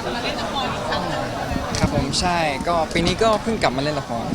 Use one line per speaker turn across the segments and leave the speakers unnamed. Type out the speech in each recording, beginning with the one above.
ครับผมใช่ก็ปีนี้ก็เพิ่งกลับมาเล่นละคร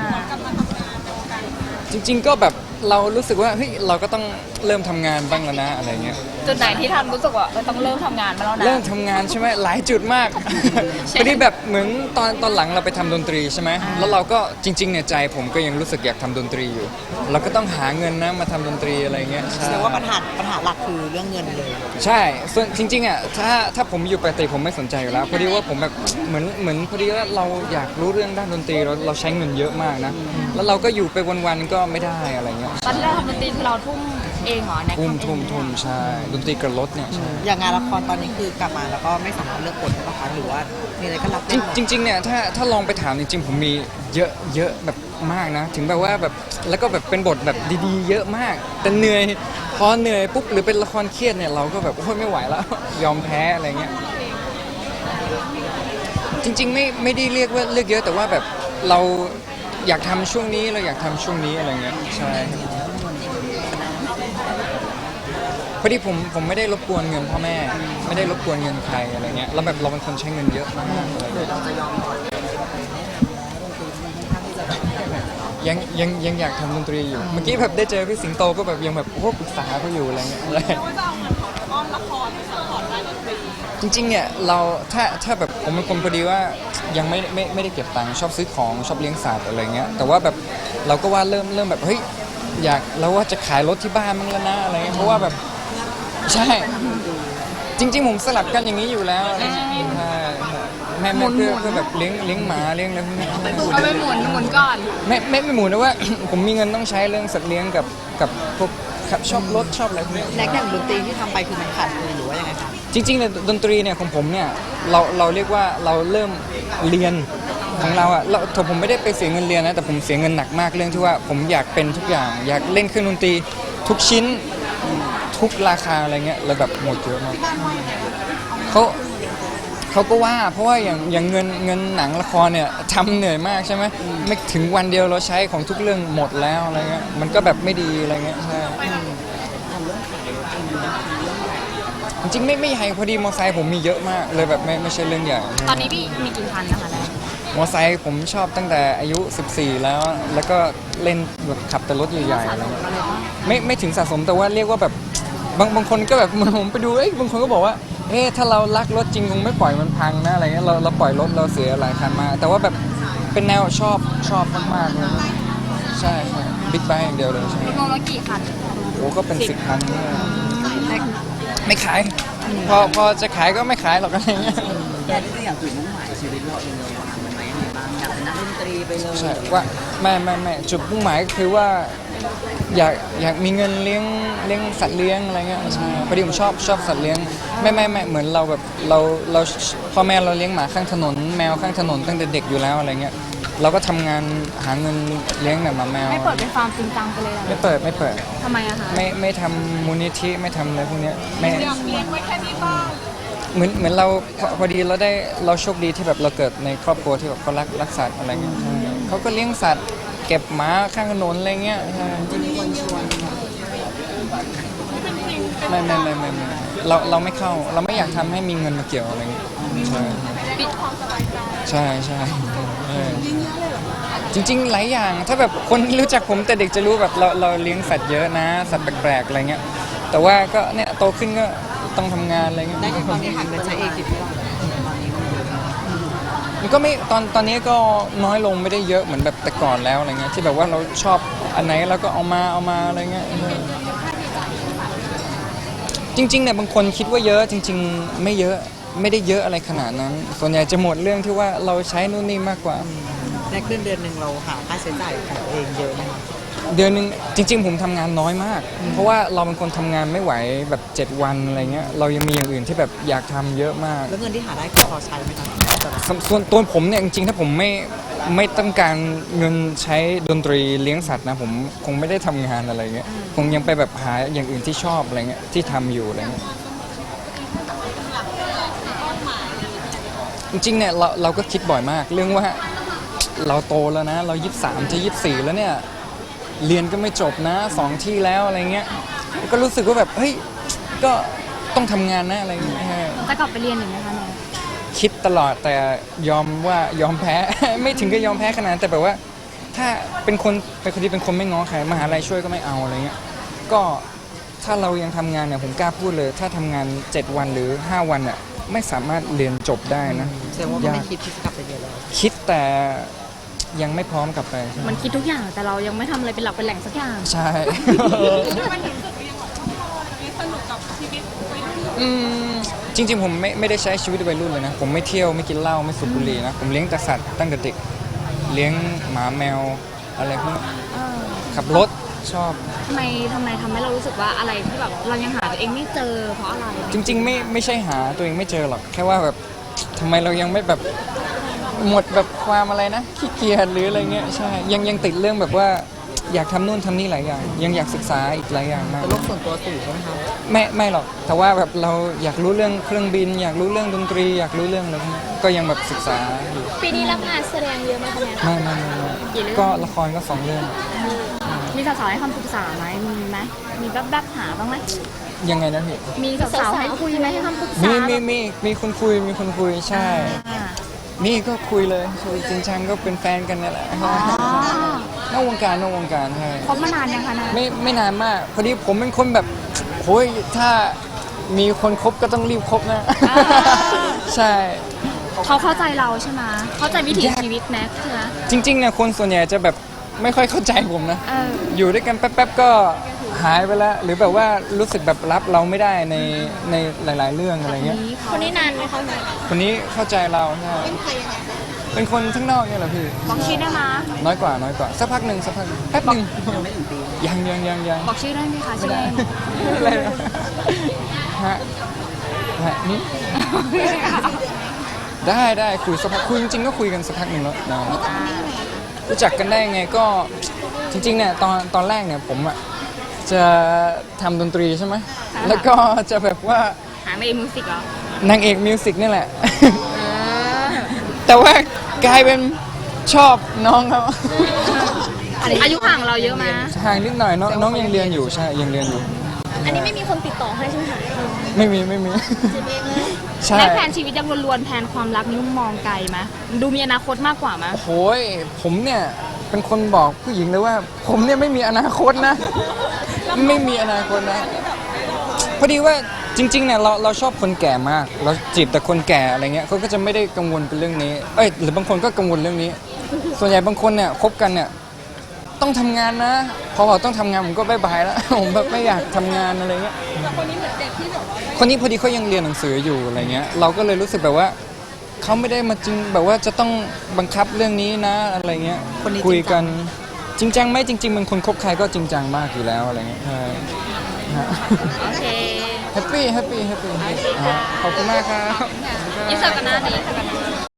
จริงๆก็แบบเรารู้สึกว่าเฮ้ยเราก็ต้องเริ่มทำงานบ้างแล้วนะอะไรเงี้ย
จุดไหนที่ทำรู้สึกว่าต้องเริ่มทำงานมาแล้วนะ
เริ่มทำงานใช่ไหมหลายจุดมากพอดีแบบเหมือนตอนหลังเราไปทำดนตรีใช่ไหมแล้วเราก็จริงๆเนี่ยใจผมก็ยังรู้สึกอยากทำดนตรีอยู่เราก็ต้องหาเงินนะมาทำดนตรีอะไรเงี้ยใช่
แสดงว่าปัญหาหลักคือเรื่องเงินเลย
ใช่ส่วนจริงๆอ่ะถ้าผมอยู่ปกติผมไม่สนใจอยู่แล้วพอดีว่าผมแบบเหมือนพอดีว่าเราอยากรู้เรื่องด้านดนตรีเราใช้เงินเยอะมากนะแล้วเราก็อยู่ไปวันๆก็ไม่ได้อะไรเงี้ย
ตอนที่เราทำดนตรีคือเราทุ่มเองเหรอแน็ก
ทุ่มใช่ดนตรีกระรถเนี่ยใช่
อย่างงานละครตอนนี้คือกลับมาแล้วก็ไม่สามารถเลือกบทได้ปะคะหรือว่ามีอะไรก็รับได้หมด
จริงๆเนี่ยถ้าลองไปถามจริงๆผมมีเยอะแบบมากนะถึงแบบว่าแบบแล้วก็แบบเป็นบทแบบดีๆ เยอะมากแต่เหนื่อยพอเหนื่อยปุ๊บหรือเป็นละครเครียดเนี่ยเราก็แบบโอ้ยไม่ไหวแล้ว ยอมแพ้อะไรเงี้ยจริงๆไม่ได้เรียกว่าเลือกเยอะแต่ว่าแบบเราอยากทำช่วงนี้เราอยากทำช่วงนี้อะไรเงี้ยใช่พอดีผมไม่ได้รบกวนเงินพ่อแม่ไม่ได้รบกวนเงินใครอะไรเงี้ยแล้วแบบเราเป็นคนใช้เงินเยอะมากอะไรเงี้ยยังอยากทำดนตรีอยู่เมื่อกี้แบบได้เจอพี่สิงโตก็แบบยังแบบโอ้ปรึกษาเขาอยู่อะไรเงี้ยจริงๆเนี่ยเราถ้าแบบผมเป็นคนพอดีว่ายังไม่ได้เก็บตังค์ชอบซื้อของชอบเลี้ยงสัตว์อะไรเงี้ยแต่ว่าแบบเราก็ว่าเริ่มแบบเฮ้ยอยากเราว่าจะขายรถที่บ้านมั้งแล้วนะอะไรเงี้ยเพราะว่าแบบใช่จริงๆผมสลับกันอย่างนี้อยู่แล้วอะไรเงี้ยใช่แม่เพื่อแบบเลี้ยงหมาเลี้ยงอะไรพวกนี้
เอาไปหมุนก่อน
ไม่หมูนะว่า ผมมีเงินต้องใช้เรื่องสัตว์เลี้ยงกับพวกขับชอบรถชอบอะไรพวกนี้
แน็กอย่างดนตรีที่ทำไปคือมันขาดทุนหรือว่ายังไงคะ
จริงๆเนี่ยดนตรีเนี่ยของผมเนี่ยเราเรียกว่าเราเริ่มเรียนของเราอะผมไม่ได้ไปเสียเงินเรียนนะแต่ผมเสียเงินหนักมากเรื่องที่ว่าผมอยากเป็นทุกอย่างอยากเล่นเครื่องดนตรีทุกชิ้นทุกราคาอะไรเงี้ยแล้วแบบหมดเยอะมากเขาก็ว่าเพราะว่าอย่างเงินหนังละครเนี่ยทำเหนื่อยมากใช่ไหมไม่ถึงวันเดียวเราใช้ของทุกเรื่องหมดแล้วอะไรเงี้ยมันก็แบบไม่ดีอะไรเงี้ยใช่จริงๆไม่ใหญ่พอดีมอเตอร์ไซค์ผมมีเยอะมากเลยแบบไม่ใช่เรื่องใหญ่
ตอนนี้พี่มีกี่คันนะคะแน็ก
มอเตอร์ไซค์ผมชอบตั้งแต่อายุ14แล้วก็เล่นแบบขับแต่รถใหญ่ๆอะไรเงี้ยไม่ถึงสะสมแต่ว่าเรียกว่าแบบบางคนก็แบบผมไปดูบางคนก็บอกว่าถ้าเรารักรถจริงคงไม่ปล่อยมันพังนะอะไรเงี้ยเราปล่อยรถเราเสียหลายคันมาแต่ว่าแบบเป็นแนวชอบมากๆเลยใช่บิ๊กไบค์อย่างเดียวเลยใช่
รวมแล้วกี่คัน
โอ้ก็เป็น10 คันเนี่ย
แน็ก
ไม่ขายพอจะขายก็ไม่ขายหรอกอะไรเงี้ย
แน็กก็อยากจุดมุ่งหมายชีวิตเราเองเลยค่ะมันไม่ยังไงบ้างอยากเป็นนักดนตรีไปเลย
ใช่ว่าไม่จุดมุ่งหมายก็คือว่าอยากมีเงินเลี้ยงสัตว์เลี้ยงอะไรเงี้ยใช่พอดีผมชอบสัตว์เลี้ยงไม่เหมือนเราแบบเราพ่อแม่เราเลี้ยงหมาข้างถนนแมวข้างถนนตั้งแต่เด็กอยู่แล้วอะไรเงี้ยเราก็ทำงานหาเงินเลี้ยงแบบหมาแมว
ไม่เปิดเป็นฟาร์มจริงจังไปเลยเหรอ
ไม่เปิด
ทำไมอะคะ
ไม่ทำมูลนิธิไม่ทำอะไรพวกเนี้ยไม่
อยากเลี้ยงไว้แค่นี้บ้าง
เหมือนเราพอดีเราโชคดีที่แบบเราเกิดในครอบครัวที่แบบเขารักสัตว์อะไรเงี้ยใช่เขาก็เลี้ยงสัตว์เก็บหมาข้างถนนอะไรเงี้ยใช่ไม่เราไม่เข้าเราไม่อยากทำให้มีเงินมาเกี่ยวอะไรเงี้ยใช่
ปิดความสบายใจ
ใช่จริงๆหลายอย่างถ้าแบบคนรู้จักผมแต่เด็กจะรู้แบบเราเลี้ยงสัตว์เยอะนะสัตว์แปลกๆอะไรเงี้ยแต่ว่าก็เนี่ยโตขึ้นก็ต้องทำงานอะไรเงี้ย
ได้อย่างตอนนี้หันไปใช้เองสิพี่ว่าตอนนี้มันเยอะ
มันก็ไม่ตอนนี้ก็น้อยลงไม่ได้เยอะเหมือนแบบแต่ก่อนแล้วอะไรเงี้ยที่แบบว่าเราชอบอันไหนเราก็เอามาอะไรเงี้ยจริงๆเนี่ยบางคนคิดว่าเยอะจริงๆไม่เยอะไม่ได้เยอะอะไรขนาดนั้น ส่วนใหญ่จะหมดเรื่องที่ว่าเราใช้นู่นนี่มากกว่า
แน็กเดือนหนึ่งเราหาค่าใช้จ่ายของตัวเองเยอะไหมคะ
เดือนหนึงจริงๆผมทำงานน้อยมาก เพราะว่าเราเป็นคนทำงานไม่ไหวแบบ7 วันอะไรเงี้ยเรายังมีอย่างอื่นที่แบบอยากทำเยอะมาก
แล้วเงินที่หาได้คือพอใช้ไหมคะ
ส่วนตัวผมเนี่ยจริงๆถ้าผมไม่ต้องการเงินใช้ดนตรีเลี้ยงสัตว์นะผมคงไม่ได้ทำงานอะไรเงี้ยคงยังไปแบบหาอย่างอื่นที่ชอบอะไรเงี้ยที่ทำอยู่อะไรเงี้ยจริงๆเนี่ยเราก็คิดบ่อยมากเรื่องว่าเราโตแล้วนะเรา23จะ24แล้วเนี่ยเรียนก็ไม่จบนะ2 ที่แล้วอะไรเงี้ยก็รู้สึกว่าแบบเฮ้ยก็ต้องทำงานนะอะไรเงี้ย
จะกลับไปเรียนอีกไหมคะแน็ก
คิดตลอดแต่ยอมว่ายอมแพ้ ไม่ถึงกับยอมแพ้ขนาดนั้นแต่แบบว่าถ้าเป็นคนที่เป็นคนไม่ง้อใครมหาลัยช่วยก็ไม่เอาอะไรเงี้ยก็ถ้าเรายังทำงานเนี่ยผมกล้าพูดเลย ถ้าทำงาน7 วันหรือ5 วันอ่ะไม่สามารถเรียนจบได้นะ
แสดงว่าก็ไม่คิดที่จะกลับไปเรียนแล้ว
คิดแต่ยังไม่พร้อมกลับไป
มันคิดทุกอย่างแต่เรายังไม่ทำอะไรเป็นหลักเป็นแหล่งสักอย่าง
ใช่
มันถึงจุดที่ยังแบบว่าสนุกกับชีวิตวัยรุ่น
จริงๆผมไม่ได้ใช้ชีวิตวัยรุ่นเลยนะ ผมไม่เที่ยวไม่กินเหล้าไม่สูบบุหรี่นะ ผมเลี้ยงแต่สัตว์ตั้งแต่เด็กเลี้ยงหมาแมวอะไรพวกนี้ขับรถชอบ
ทำไมทำให้เรารู้สึกว่าอะไรที่แบบเรายังหาตัวเองไม่เจอเพราะอะไร
จริงๆไม่ใช่หาตัวเองไม่เจอหรอกแค่ว่าแบบทำไมเรายังไม่แบบหมดแบบความอะไรนะขี้เกียจหรืออะไรเงี้ยใช่ยังติดเรื่องแบบว่าอยากทำนู่นทำนี่หลายอย่างยังอยากศึกษาอีกหลายอย่างมาก
แต่โลกส่วนตัวสูงใช่ไหมครับ
ไม่หรอกแต่ว่าแบบเราอยากรู้เรื่องเครื่องบิน อยากรู้เรื่องดนตรีอยากรู้เรื่องอะไรพวกนี้ก็ยังแบบศึกษาอยู่
ปีนี้รับงานแสดงเยอะไหมคะเนี่ย
ไม่ก็ละครก็2 เรื่อง
มีสาวๆให้คำปรึกษาไหมมีไหมมีแป๊บๆหาบ้างไหม
ยังไงนะพี่
มีสาวๆให้คุยไหมให้คำปรึกษา
มีคนคุยใช่
อ่า
มีก็คุยเลยคุยจริงจังก็เป็นแฟนกันนี่แหละนอกวงการใช่
คบมานานยังคะนะ
ไม่นานมากพอดีผมเป็นคนแบบโอ้ยถ้ามีคนคบก็ต้องรีบคบนะ ใช่
เขาเข้าใจเราใช่ไหมเข้าใจวิถีชีวิตแม็กใช่ไหม
จริงๆเนี่ยคนส่วนใหญ่จะแบบไม่ค่อยเข้าใจผมนะ อยู่ด้วยกันแป๊บๆก็หายไปแล้ว หรือแบบว่ารู้สึกแบบรับเราไม่ได้ในหลาย ๆ เรื่องอะไรเงี้ย
คนนี้นานไหมคะ
คนนี้เข้าใจเราใช่
เป็นใครยังไง
เป็นคนทั้างนอกเนี่ยแหละพี่
บอกชื่อได้ไหม
น้อยกว่าสักพักหนึ่งแป๊บหนึ่ง
ยังไม่ถึงปี
ยัง
บอกชื่อได้ไหมคะชื่อ
ไม่
เล่น
อะไรนะฮะนี่ได้คุยสักพักคุยจริงๆก็คุยกันสักพักหนึ่งแล้วนะรู้จักกันได้ยังไงก็จริงๆเนี่ยตอนแรกเนี่ยผมอ่ะจะทำดนตรีใช่ไหมแล้วก็จะแบบว่า
หาไม่เอ็มมิวสิกเหรอน
างเอกมิวสิกนี่แหละ แต่ว่ากลายเป็นชอบน้องเขา
อายุห่างเราเยอะไหม
ห่างนิดหน่อยน้องยังเรียนอยู่ใช่ยังเรียนอยู่
อันนี้ไม่มีคนติดต่อให้ใช่ไหมคะ
ไม่มีใช่
ได้แผนชีวิตยังล้วนๆแผนความรักนี่มองไกลไหมดูมีอนาคตมากกว่าไหม
โอ้ยผมเนี่ยเป็นคนบอกผู้หญิงเลยว่า ผมเนี่ยไม่มีอนาคตนะ ไม่มีอนาคตนะ พอดีว่าจริงๆเนี่ยเราชอบคนแก่มาก เราจีบแต่คนแก่อะไรเงี้ยเขาก็จะไม่ได้กังวลเป็นเรื่องนี้หรือบางคนก็กังวลเรื่องนี้ ส่วนใหญ่บางคนเนี่ยคบกันเนี่ยต้องทำงานนะพอบอกต้องทำงานผมก็บายบายแล้ว ผมแบบไม่อยากทำงานอะไรเงี้ยคนนี้เหมือนเด็กที่แบบว่าคนนี้พอดีเขายังเรียนหนังสืออยู่อะไรเงี้ยเราก็เลยรู้สึกแบบว่าเขาไม่ได้มาจริงแบบว่าจะต้องบังคับเรื่องนี้นะอะไรเงี้ยคุยกันจริงจังไหมจริงๆมันคนคบใครก็จริงจังมากอยู่แล้วอะไรเงี้ยใช่ฮะ
โอเค
แฮปปี้ขอบคุณมากครับ
ยิ่งเสิร์ฟกันหน้านี้